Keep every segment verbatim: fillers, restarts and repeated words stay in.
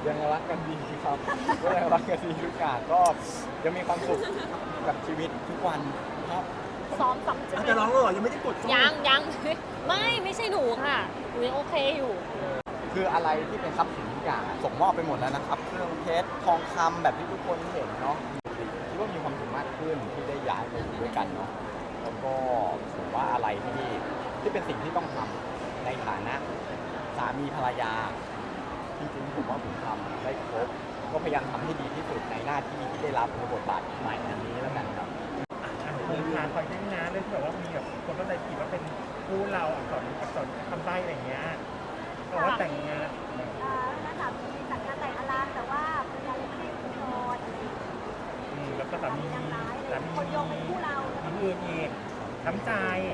ยังรักกันดีครับก็ยังรักกันดีทุกอย่างก็ยังมีความสุขกับชีวิตทุกวันครับซ้อมซ้ำอาจจะร้องแล้วเหรอยังไม่ได้กดเข้ายังยัง ไม่ไม่ใช่หนูค่ะหนูยังโอเคอยู่คืออะไรที่เป็นทรัพย์สินทุกอย่างอะส่งมอบไปหมดแล้วนะครับเครื่องเพชรทองคำแบบที่ทุกคนเห็นเนาะคิดว่ามีความสุขมากขึ้นที่ได้ย้ายมาอยู่ด้วยกันเนาะแล้วก็ผมว่าอะไรที่ที่เป็นสิ่งที่ต้องทำในฐานะสามีภรรยาจริงๆผมว่าผมทำได้ครบก็พยายามทำให้ดีที่สุดในหน้าที่ที่ได้รับในบทบาทใหม่อันนี้แล้วกันครับเรื่องงานคอยใช้งานเรื่องที่แบบว่ามีแบบคนเข้าใจผิดว่าเป็นคู่เราอักษรอักษรคำใบ้อะไรอย่างเงี้ยบอกว่าแต่งงานเอ่อนักสามีจัดงานแต่งอลามแต่ว่าภรรยายังไม่ได้อุทธรณ์อะไรอย่างเงี้ยอืมแล้วก็สามียังร้ายเลสาย มีคนโยงเป็นคู่เรามีอื่นอีกน้ำใจ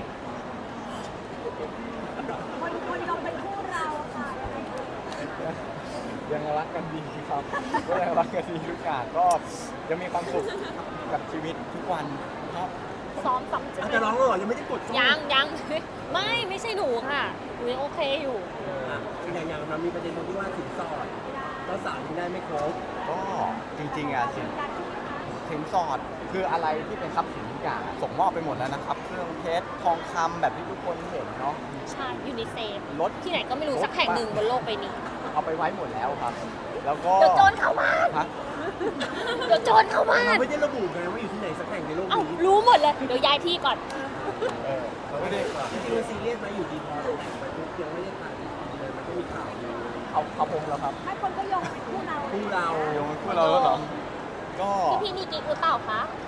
คนคนโยงเป็นคู่เราค่ะยังไงเอ่ยยังรักกันดีครับก็ยังรักกันดีทุกอย่างก็ยังมีความสุขกับชีวิตทุกวันครับซ้อมซ้ำอาจจะร้องแล้วเหรอยังไม่ได้กดเข้ายังยัง ไม่ไม่ใช่หนูค่ะหนูยังโอเคอยู่อ่ะอย่างอย่างมันมีประเด็นตรงที่ว่าสินสอดเจ้าสาวยังได้ไม่ครบก็จริงๆอ่ะสินสินสอดคืออะไรที่เป็นทรัพย์สินทุกอย่างอะส่งมอบไปหมดแล้วนะครับเครื่องเพชรทองคำแบบที่ทุกคนเห็นเนาะใช่ยูนิเซฟรถที่ไหนก็ไม่รู้สักแห่งหนึ่งบนโลกใบนี้เอาไปไว้หมดแล้วครับ แล้วก็เดี๋ยวโจรเข้าบ้านฮะเดี๋ยวโจรเข้าบ้าเรานไม่ได้ระบุไงว่าอยู่ที่ไหนสักแห่งในโลกเอ้านี้รู้หมดเลย เดี๋ยวย้ายที่ก่อนเออเราไม่ได้จริงๆมันซีเรียสไหมอยู่ดีพอแต่งไปปุ๊บยังไม่ได้ถ่ายเลยมันก็มีข่าวอยู่เอาเอาผมแล้วครับให้คนก็โยงเป็นคู่เราคู่เราโยงคู่เราแล้วเหรอก็พี่พี่มีกิ๊กหรือเปล่าคะ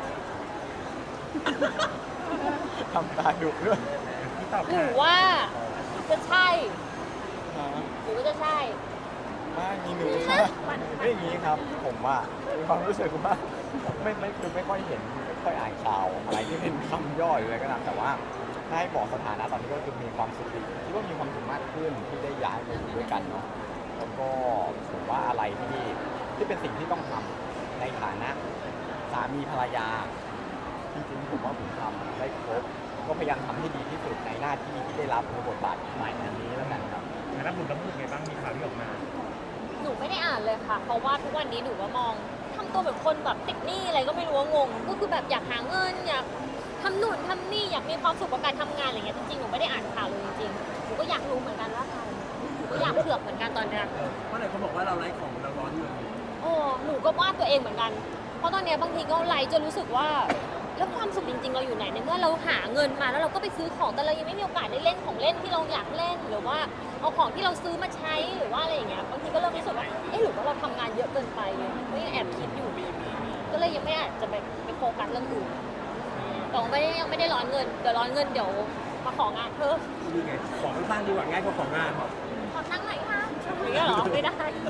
ทำตาดุด้วยที่ตอบหนูค่ะว่าจะใช่ฮะหรือว่าจะใช่ไม่มีหนูค่ะไม่อย่างนี้ครับ ผมว่ามีความรู้สึกว่าไม่ไม่คือไม่ค่อยเห็นไม่ค่อยอ่านข่าวอะไรที่เป็นคำย่อยอะไรก็ตามแต่ว่าถ้าให้บอกสถานะตอนนี้ก็คือมีความสุขดีคิดว่ามีความสุขมากขึ้นที่ได้ย้ายมาอยู่ด้วยกันเนาะแล้วก็ผมว่าอะไรที่ที่เป็นสิ่งที่ต้องทำในฐานะสามีภรรยาจริงๆผมว่าผมทำได้ครบก็พยายามทำให้ดีที่สุดในหน้าที่ที่ได้รับในบทบาทใหม่อันนี้แล้วกันครับงานรับบุญรับบุญไงบ้างมีข่าวที่ออกมาหนูไม่ได้อ่านเลยค่ะ เพราะว่าทุกวันนี้หนูว่ามองทำตัวแบบคนแบบติดหนี้อะไรก็ไม่รู้ว่างง ก็คือแบบอยากหาเงินอยากทำนู่นทำนี่อยากมีความสุขกับการทำงานอะไรเงี้ยจริงๆหนูไม่ได้อ่านข่าวเลยจริงๆหนูก็อยากรู้เหมือนกันว่าใครหนูก็อยากเผือกเหมือนกันตอนเนี้ยเพราะไหนเขาบอกว่าเราไร้ของเราร้อนเงินโอ้หนูก็ว่าตัวเองเหมือนกัน เพราะตอนเนี้ยบางทีก็ไลฟ์จนรู้สึกว่าแล้วความสุขจริงๆเราอยู่ไหนในเมื่อเราหาเงินมาแล้วเราก็ไปซื้อของแต่เรายังไม่มีโอกาสได้เล่นของเล่นที่เราอยากเล่นหรือว่าเอาของที่เราซื้อมาใช้หรือว่าอะไรอย่างเงี้ยบางทีก็เริ่มรู้สึกว่าเอ๊ะหรือว่าเราทำงานเยอะเกินไปก็ยังแอบคิดอยู่ ก็เลยยังไม่อาจจะไปไปโฟกัสเรื่องอื่นแต่ว่าไม่ได้ยังไม่ได้ร้อนเงินเดี๋ยวร้อนเงินเดี๋ยวมาของานเพิ่มนี่ไงของข้างๆดีกว่าง่ายกว่าของงานขอนั่งหน่อยค่ะอย่างเงี้ยเหรอไม่ได้